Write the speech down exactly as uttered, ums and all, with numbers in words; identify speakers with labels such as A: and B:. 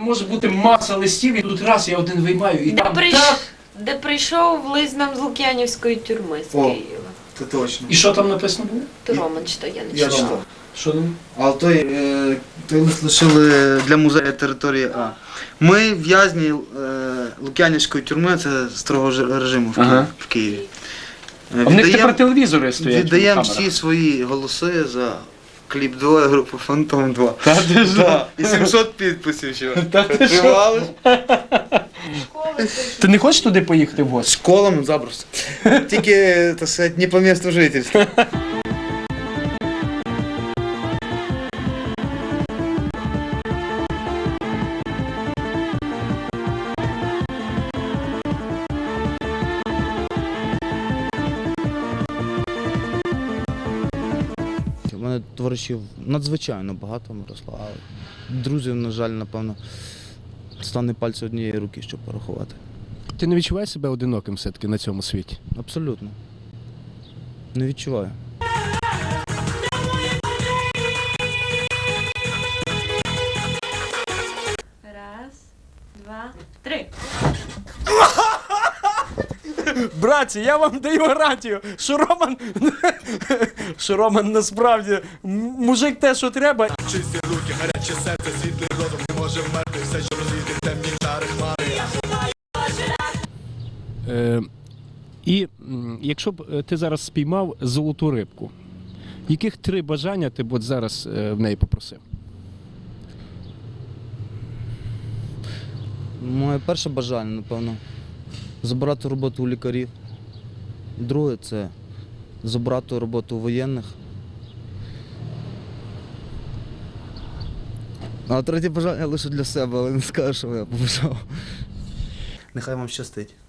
A: може бути маса листів, і тут раз я один виймаю, і
B: Де,
A: там
B: прийш-
A: так.
B: Де прийшов лист нам з Лук'янівської тюрми з
C: О.
B: Києва.
C: Це точно.
A: І що там написано було?
B: То Роман читав, я не
C: Я
B: читала.
C: читав.
A: Що там?
C: А той, е, той лист лишили для музею території А. Ми в'язні е, Лук'янівської тюрми, це строгого ж- режиму в, Києві.
A: Ага.
C: в Києві. Е,
A: А в них тепер телевізори стоять.
C: віддаємо
A: в камерах.
C: всі свої голоси за кліп два групи Фантом два.
A: Та ти ж.
C: Да. І сімсот підписів ще.
A: Та ти що?
C: Тривали.
A: Ти не хочеш туди поїхати в гості?
C: З колом запросто. Тільки, так сказати, не по місту жительства. У мене товаришів надзвичайно багато, Мирослава. Друзів, на жаль, напевно, стане пальці однієї руки, щоб порахувати.
D: Ти не відчуваєш себе одиноким все-таки на цьому світі?
C: Абсолютно. Не відчуваю.
B: Раз, два, три.
D: Братці, я вам даю гарантію, що Роман, що Роман насправді м- мужик те, що треба.
E: Чисті руки, гаряче серце, світлий розум не може вмерти, все, що розвіти темні чари хмари.
D: Е, і м, якщо б е, ти зараз спіймав золоту рибку, яких три бажання ти б от зараз е, в неї попросив?
C: Моє перше бажання, напевно, забрати роботу у лікарів. Друге – це забрати роботу у воєнних. А третє бажання лише для себе, але не скажу, що я побажав. Нехай вам щастить.